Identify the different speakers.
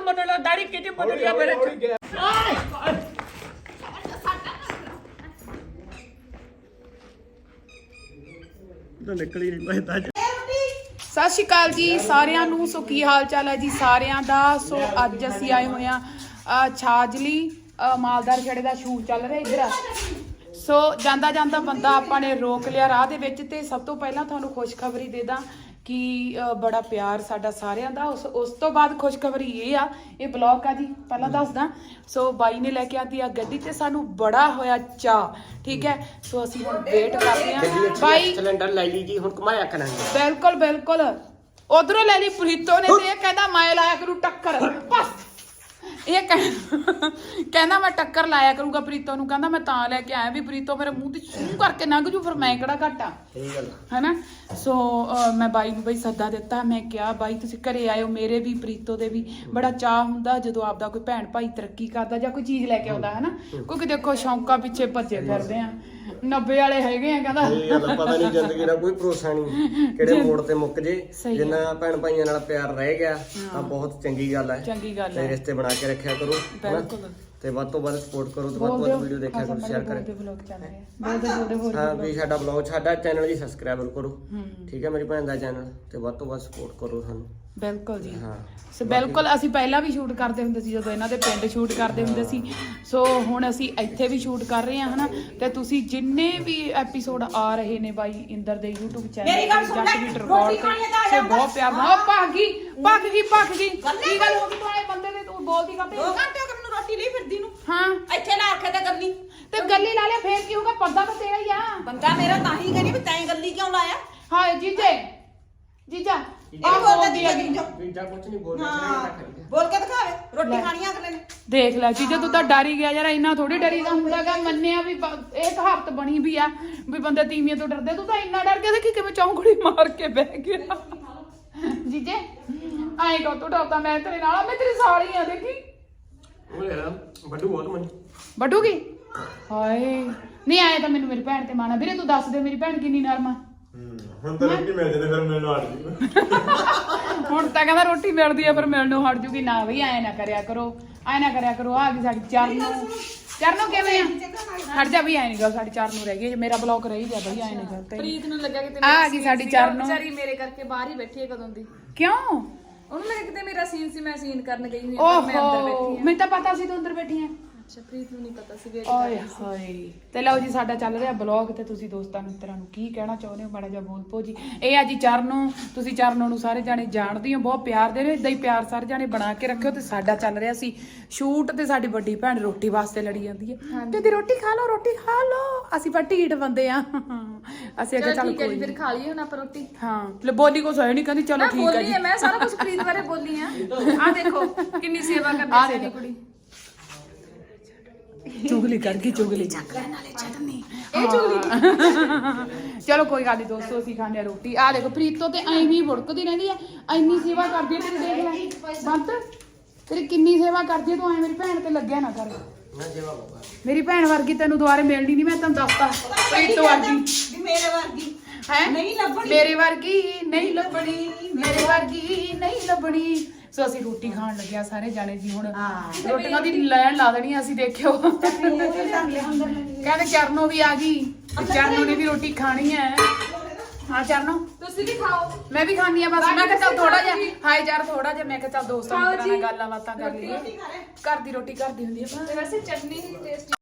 Speaker 1: ਮਨਣਾ ਦਾੜੀ ਕਿਤੇ ਬਦਲ ਗਿਆ ਮੇਰੇ ਨਿਕਲੀ ਨਹੀਂ ਪੈਂਦਾ।
Speaker 2: ਸਤਿ ਸ਼੍ਰੀ ਅਕਾਲ ਜੀ ਸਾਰਿਆਂ ਨੂੰ। ਸੋ ਕੀ ਹਾਲ ਚਾਲ ਹੈ ਜੀ ਸਾਰਿਆਂ ਦਾ। ਸੋ ਅੱਜ ਅਸੀਂ ਆਏ ਹੋਏ ਆ ਛਾਜਲੀ ਮਾਲਦਾਰ ਖੇੜੇ ਦਾ ਸ਼ੂਟ ਚੱਲ ਰਿਹਾ ਇੱਧਰ। ਸੋ ਜਾਂਦਾ ਜਾਂਦਾ ਬੰਦਾ ਆਪਾਂ ਨੇ ਰੋਕ ਲਿਆ ਰਾਹ ਦੇ ਵਿੱਚ। ਤੇ ਸਭ ਤੋਂ ਪਹਿਲਾਂ ਤੁਹਾਨੂੰ ਖੁਸ਼ਖਬਰੀ ਦੇ ਦਾਂ ਕਿ ਬੜਾ ਪਿਆਰ ਸਾਡਾ ਸਾਰਿਆਂ ਦਾ। ਉਸ ਤੋਂ ਬਾਅਦ ਖੁਸ਼ਖਬਰੀ ਇਹ ਆ, ਇਹ ਬਲੌਗ ਆ ਜੀ ਪਹਿਲਾਂ ਦੱਸਦਾ। ਸੋ ਬਾਈ ਨੇ ਲੈ ਕੇ ਆਂਦੀ ਆ ਗੱਡੀ ਤੇ ਸਾਨੂੰ ਬੜਾ ਹੋਇਆ ਚਾਅ, ਠੀਕ ਹੈ। ਸੋ ਅਸੀਂ ਹੁਣ ਵੇਟ ਕਰਦੇ ਆ। ਬਾਈ
Speaker 1: ਸਿਲੰਡਰ ਲੈ ਲਈ ਜੀ, ਹੁਣ ਘੁਮਾਇਆ ਕਰਾਂਗੇ।
Speaker 2: ਬਿਲਕੁਲ ਬਿਲਕੁਲ। ਉਧਰੋਂ ਲੈ ਲਈ ਪ੍ਰੀਤੋ ਨੇ ਤੇ ਇਹ ਕਹਿੰਦਾ ਮੈਂ ਲਾਇਆ ਕਰੂ ਟੱਕਰ। ਬਸ ਇਹ ਕਹਿੰਦਾ ਮੈਂ ਟੱਕਰ ਲਾਇਆ ਕਰੂੰਗਾ ਪ੍ਰੀਤੋ ਨੂੰ। ਕਹਿੰਦਾ ਮੈਂ ਤਾਂ ਲੈ ਕੇ ਆਇਆ ਵੀ ਪ੍ਰੀਤੋ ਮੇਰੇ ਮੂੰਹ ਤੇ ਛੂ ਕਰਕੇ ਲੰਘ ਜੂ, ਫਿਰ ਮੈਂ ਕਿਹੜਾ ਘੱਟ ਆ,
Speaker 1: ਸਹੀ ਗੱਲ
Speaker 2: ਹੈਨਾ। ਸੋ ਮੈਂ ਬਾਈ ਨੂੰ ਬਈ ਸੱਦਾ ਦਿੱਤਾ। ਮੈਂ ਕਿਹਾ ਬਾਈ ਤੁਸੀਂ ਘਰੇ ਆਇਓ, ਮੇਰੇ ਵੀ ਪ੍ਰੀਤੋ ਦੇ ਵੀ ਬੜਾ ਚਾਅ ਹੁੰਦਾ ਜਦੋਂ ਆਪਦਾ ਕੋਈ ਭੈਣ ਭਾਈ ਤਰੱਕੀ ਕਰਦਾ ਜਾਂ ਕੋਈ ਚੀਜ਼ ਲੈ ਕੇ ਆਉਂਦਾ, ਹੈਨਾ। ਕਿਉਂਕਿ ਦੇਖੋ ਸ਼ੌਂਕਾਂ ਪਿੱਛੇ ਭੱਜੇ ਫਿਰਦੇ ਆ, 90 ਵਾਲੇ ਹੈਗੇ ਆ। ਕਹਿੰਦਾ
Speaker 1: ਇਹ ਗੱਲ ਪਤਾ ਨਹੀਂ, ਜ਼ਿੰਦਗੀ ਦਾ ਕੋਈ ਭਰੋਸਾ ਨਹੀਂ, ਕਿਹੜੇ ਮੋੜ ਤੇ ਮੁੱਕ ਜੇ। ਜਿੰਨਾ ਭੈਣ ਭਾਈਆਂ ਨਾਲ ਪਿਆਰ ਰਹਿ ਗਿਆ ਤਾਂ ਬਹੁਤ ਚੰਗੀ ਗੱਲ ਹੈ।
Speaker 2: ਚੰਗੀ ਗੱਲ ਹੈ।
Speaker 1: ਰਿਸ਼ਤੇ ਬਣਾ ਕੇ ਰੱਖਿਆ ਕਰੋ
Speaker 2: ਬਿਲਕੁਲ।
Speaker 1: ਤੇ ਵੱਧ ਤੋਂ ਵੱਧ ਸਪੋਰਟ ਕਰੋ ਤੇ ਵੱਧ ਤੋਂ ਵੱਧ ਵੀਡੀਓ ਦੇਖਿਆ ਕਰੋ, ਸ਼ੇਅਰ ਕਰੋ। ਹਾਂ ਵੀ ਸਾਡਾ ਬਲੌਗ, ਸਾਡਾ ਚੈਨਲ ਜੀ ਸਬਸਕ੍ਰਾਈਬ ਕਰੋ, ਠੀਕ ਹੈ। ਮੇਰੀ ਭੈਣ ਦਾ ਚੈਨਲ ਤੇ ਵੱਧ ਤੋਂ ਵੱਧ ਸਪੋਰਟ ਕਰੋ ਸਾਨੂੰ।
Speaker 2: ਬਿਲਕੁਲ ਜੀ।
Speaker 1: ਹਾਂ
Speaker 2: ਸੋ ਬਿਲਕੁਲ ਅਸੀਂ ਪਹਿਲਾਂ ਵੀ ਸ਼ੂਟ ਕਰਦੇ ਹੁੰਦੇ ਸੀ ਜਦੋਂ ਇਹਨਾਂ ਦੇ ਪਿੰਡ ਸ਼ੂਟ ਕਰਦੇ ਹੁੰਦੇ ਸੀ। ਸੋ ਹੁਣ ਅਸੀਂ ਇੱਥੇ ਵੀ ਸ਼ੂਟ ਕਰ ਰਹੇ ਹਾਂ, ਹਨਾ। ਤੇ ਤੁਸੀਂ ਜਿੰਨੇ ਵੀ ਐਪੀਸੋਡ ਆ ਰਹੇ ਨੇ ਬਾਈ ਇੰਦਰ ਦੇ YouTube channel Jatt beat record ਤੇ ਸੋ ਬਹੁਤ ਪਿਆਰ ਨਾਲ। ਭੱਗ ਗਈ ਕੀ ਗੱਲ ਹੋ ਗਈ? ਤੂੰ ਆਏ ਬੰਦੇ ਦੇ ਤੂੰ ਬੋਲਦੀ ਕਰਦੇ
Speaker 3: 2 ਘੰਟੇ ਹੋ ਗਏ ਮੈਨੂੰ ਰੋਟੀ ਲਈ ਫਿਰਦੀ ਨੂੰ।
Speaker 2: ਹਾਂ
Speaker 3: ਇੱਥੇ ਨਾ ਰੱਖੇ ਤੇ ਗੱਲੀ
Speaker 2: ਤੇ ਗੱਲੀ ਲਾ ਲਿਆ ਫੇਰ ਕੀ ਹੋਊਗਾ? ਪਰਦਾ ਤਾਂ ਤੇਰਾ ਹੀ ਆ।
Speaker 3: ਬੰਦਾ ਮੇਰਾ ਤਾਂ ਹੀ ਕਹਿੰਦੀ ਵੀ ਤੈਂ ਗੱਲੀ ਕਿਉਂ ਲਾਇਆ।
Speaker 2: ਹਾਂ ਜੀਜਾ
Speaker 3: ਇਹ ਬੋਲਦਾ ਜੀ
Speaker 1: ਵੀਜਾ ਕੁਝ ਨਹੀਂ ਬੋਲਦਾ,
Speaker 3: ਬੋਲ ਕੇ ਦਿਖਾਵੇ। ਰੋਟੀ ਖਾਣੀ ਆ ਅਗਲੇ ਨੇ।
Speaker 2: ਦੇਖ ਲੈ ਜੀਜਾ, ਤੂੰ ਤਾਂ ਡਰ ਹੀ ਗਿਆ ਯਾਰ। ਇੰਨਾ ਥੋੜੀ ਡਰੀਦਾ ਹੁੰਦਾਗਾ। ਮੰਨਿਆ ਵੀ ਇਹ ਕਹਾਵਤ ਬਣੀ ਵੀ ਆ ਵੀ ਬੰਦੇ ਤੀਵੀਆਂ ਤੋਂ ਡਰਦੇ। ਤੂੰ ਤਾਂ ਇੰਨਾ ਡਰ ਗਿਆ ਦੇਖੀ ਕਿਵੇਂ ਚੌਂਕੜੀ ਮਾਰ ਕੇ ਬਹਿ ਗਿਆ। ਜੀਜੇ ਆਏ ਕੋ ਤੂੰ ਡਰਦਾ? ਮੈਂ ਤੇਰੇ ਨਾਲ, ਮੈਂ ਤੇਰੀ ਸਾਲੀ ਆ। ਦੇਖੀ
Speaker 1: ਉਹ ਯਾਰ ਵੱਡੂ ਬਹੁਤ ਮਨ
Speaker 2: ਵੱਡੂਗੀ। ਹਾਏ ਨਹੀਂ ਆਏ ਤਾਂ ਮੈਨੂੰ ਮੇਰੀ ਭੈਣ ਤੇ ਮਾਣਾ। ਵੀਰੇ ਤੂੰ ਦੱਸ ਦੇ ਮੇਰੀ ਭੈਣ ਕਿੰਨੀ ਨਰਮ ਆ।
Speaker 4: ਹੁਣ ਤਾਂ ਰੋਟੀ ਮਿਲ ਜਾਂਦੇ ਫਿਰ ਮੈਨੂੰ ਹਟ ਜੂ।
Speaker 2: ਹੁਣ ਤਾਂ ਕਹਿੰਦਾ ਰੋਟੀ ਮਿਲਦੀ ਆ ਫਿਰ ਮਿਲਣੋਂ ਹਟ ਜੂਗੀ। ਨਾ ਬਈ ਐ ਨਾ ਕਰਿਆ ਕਰੋ, ਆ ਗਈ ਸਾਡੀ ਚਰਨੋਂ ਕਿਵੇਂ ਆ? ਹਟ ਜਾ ਵੀ ਐ ਨਹੀਂ ਗੱਲ। ਸਾਡੀ ਚਰਨੋਂ ਰਹਿ ਗਈ, ਮੇਰਾ ਬਲੌਕ ਰਹੀ ਗਿਆ ਬਈ। ਐ ਨਹੀਂ ਗੱਲ ਤੇ
Speaker 3: ਪ੍ਰੀਤ ਨੂੰ ਲੱਗਾ ਕਿ
Speaker 2: ਆ ਗਈ ਸਾਡੀ ਚਰਨੋਂ।
Speaker 3: ਵਿਚਾਰੀ ਮੇਰੇ ਕਰਕੇ ਬਾਹਰ ਹੀ ਬੈਠੀ ਹੈ ਕਦੋਂ ਦੀ।
Speaker 2: ਕਿਉਂ?
Speaker 3: ਉਹਨੂੰ ਲੱਗਾ ਕਿਤੇ ਮੇਰਾ ਸੀਨ ਸੀ, ਮੈਂ ਸੀਨ ਕਰਨ ਗਈ ਹੋਈ ਹਾਂ, ਮੈਂ ਅੰਦਰ ਬੈਠੀ ਹਾਂ।
Speaker 2: ਮੈਨੂੰ ਤਾਂ ਪਤਾ ਸੀ ਤੂੰ ਅੰਦਰ ਬੈਠੀ ਆ।
Speaker 3: ਅੱਛਾ ਪ੍ਰੀਤ ਨੂੰ ਨਹੀਂ ਪਤਾ ਸੀ।
Speaker 2: ਓਏ ਹਾਏ। ਤੇ ਲਓ ਜੀ ਸਾਡਾ ਚੱਲ ਰਿਹਾ ਬਲੌਗ ਤੇ ਤੁਸੀਂ ਦੋਸਤਾਂ ਮਿੱਤਰਾਂ ਨੂੰ ਕੀ ਕਹਿਣਾ ਚਾਹੁੰਦੇ ਹੋ? ਮਾੜਾ ਜਿਹਾ ਬੋਲ ਪੋ ਜੀ। ਇਹ ਆ ਜੀ ਚਰਨੋਂ। ਤੁਸੀਂ ਚਰਨੋਂ ਨੂੰ ਸਾਰੇ ਜਾਣੇ ਜਾਣਦੇ ਹੋ, ਬਹੁਤ ਪਿਆਰ ਦੇ ਰਹੇ। ਇਦਾਂ ਹੀ ਪਿਆਰ ਸਾਰੇ ਜਾਣੇ ਬਣਾ ਕੇ ਰੱਖਿਓ। ਤੇ ਸਾਡਾ ਚੱਲ ਰਿਹਾ ਸੀ ਸ਼ੂਟ ਤੇ ਸਾਡੀ ਵੱਡੀ ਭੈਣ ਰੋਟੀ ਵਾਸਤੇ ਲੜੀ ਜਾਂਦੀ ਹੈ। ਕਹਿੰਦੀ ਰੋਟੀ ਖਾ ਲਓ। ਅਸੀਂ ਪਰ ਢੀਠ ਬੰਦੇ ਆ। ਅਸੀਂ ਅੱਗੇ ਚੱਲ ਕੋਈ
Speaker 3: ਫਿਰ ਖਾ ਲਈਏ ਹੁਣ ਆਪਾਂ ਰੋਟੀ।
Speaker 2: ਹਾਂ ਲੈ ਬੋਲੀ ਕੁਛ ਹੈ ਨਹੀਂ, ਕਹਿੰਦੀ ਚਲੋ ਠੀਕ ਹੈ ਜੀ।
Speaker 3: ਮੈਂ ਸਾਰਾ ਕੁਝ ਪ੍ਰੀਤ ਬਾਰੇ ਬੋਲੀ ਆ। ਆ ਦੇਖੋ ਕਿੰਨੀ ਸੇਵਾ ਕਰਦੀ ਸੀ ਕੁੜੀ।
Speaker 2: ਚੁਗਲੀ ਕਰ ਗਈ, ਚੁਗਲੀ ਚੱਕ ਲੈਣ ਵਾਲੇ ਚਟਨੀ ਇਹ ਚੁਗਲੀ। ਚਲੋ ਕੋਈ ਗੱਲ ਨਹੀਂ ਦੋਸਤੋ, ਅਸੀਂ ਖਾਣੇ ਰੋਟੀ। ਆ ਦੇਖੋ ਪ੍ਰੀਤੋ ਤੇ ਐਵੇਂ ਹੀ ਭੁੜਕਦੀ ਰਹਿੰਦੀ ਆ। ਇੰਨੀ ਸੇਵਾ ਕਰਦੀ ਹੈ ਤੇਰੀ, ਦੇਖ ਲੈ ਬੰਤ ਤੇਰੀ ਕਿੰਨੀ ਸੇਵਾ ਕਰਦੀ ਹੈ। ਤੂੰ ਐ ਮੇਰੀ ਭੈਣ ਤੇ ਲੱਗਿਆ ਨਾ ਕਰ। ਮੇਰੀ ਭੈਣ ਵਰਗੀ ਤੈਨੂੰ ਦੁਬਾਰੇ ਮਿਲਣੀ ਨਹੀਂ, ਮੈਂ ਤੈਨੂੰ ਦੱਸਤਾ। ਪ੍ਰੀਤੋ ਵਰਗੀ
Speaker 3: ਮੇਰੇ ਵਰਗੀ
Speaker 2: ਹੈ
Speaker 3: ਨਹੀਂ ਲੱਭਣੀ,
Speaker 2: ਮੇਰੇ ਵਰਗੀ ਨਹੀਂ ਲੱਭਣੀ, ਮੇਰੇ ਵਰਗੀ ਨਹੀਂ ਲੱਭਣੀ। ਸੋ ਅਸੀਂ ਰੋਟੀ ਖਾਣ ਲੱਗਿਆ ਸਾਰੇ ਜਾਣੇ ਜੀ। ਹੁਣ ਰੋਟੀਆਂ ਦੀ ਲੈਣ ਲਾ ਦੇਣੀ ਅਸੀਂ। ਦੇਖਿਓ ਕਹਿੰਦੇ ਚਰਨੋਂ ਵੀ ਆ ਗਈ, ਚਰਨੋਂ ਨੇ ਵੀ ਰੋਟੀ ਖਾਣੀ ਹੈ। ਹਾਂ ਚਰਨੋਂ
Speaker 3: ਤੁਸੀਂ ਵੀ ਖਾਓ।
Speaker 2: ਮੈਂ ਵੀ ਖਾਣੀ ਆ। ਬਸ ਮੈਂ ਕਿਹਾ ਚੱਲ ਥੋੜਾ ਜਿਹਾ ਹਾਈ ਯਾਰ, ਥੋੜਾ ਜਿਹਾ ਮੈਂ ਕਿਹਾ ਚੱਲ ਦੋਸਤਾਂ ਮਿੱਤਰਾਂ ਨਾਲ ਗੱਲਾਂ ਬਾਤਾਂ ਕਰ ਲਈਏ। ਘਰ ਦੀ ਰੋਟੀ ਘਰ ਦੀ ਹੁੰਦੀ ਹੈ।
Speaker 3: ਵੈਸੇ ਚਟਨੀ ਟੇਸਟੀ